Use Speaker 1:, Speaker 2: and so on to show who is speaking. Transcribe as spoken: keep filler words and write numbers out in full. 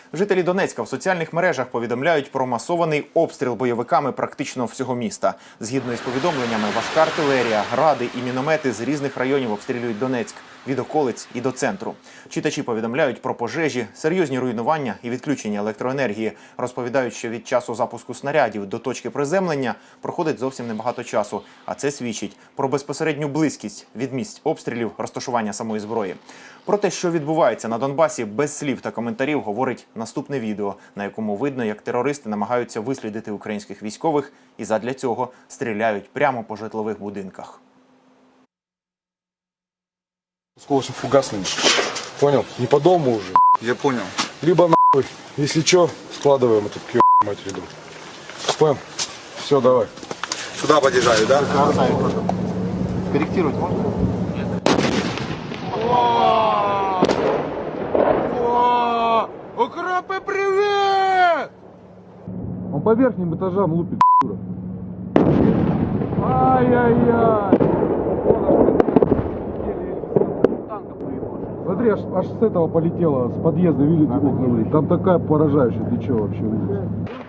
Speaker 1: Жителі Донецька в соціальних мережах повідомляють про масований обстріл бойовиками практично всього міста. Згідно із повідомленнями, важка артилерія, гради і міномети з різних районів обстрілюють Донецьк – від околиць і до центру. Читачі повідомляють про пожежі, серйозні руйнування і відключення електроенергії. Розповідають, що від часу запуску снарядів до точки приземлення проходить зовсім небагато часу. А це свідчить про безпосередню близькість від місць обстрілів, розташування самої зброї. Про те, що відбувається на Донбасі, без слів та коментарів говорить наступне відео, на якому видно, як терористи намагаються вислідити українських військових і задля цього стріляють прямо по житлових будинках.
Speaker 2: Осколочно-фугасными. Понял? Не по дому уже.
Speaker 3: Я понял.
Speaker 2: Либо нахуй, если что, складываем этот к ебаной матери дом. Понял? Все, давай.
Speaker 3: Сюда подъезжаю, да?
Speaker 1: Корректировать можно?
Speaker 2: Укропы, привет! Он по верхним этажам лупит, дура. Ай-яй-яй! Смотри, аж, аж с этого полетело, с подъезда, видите, окна. Там такая поражающая, ты что вообще видишь?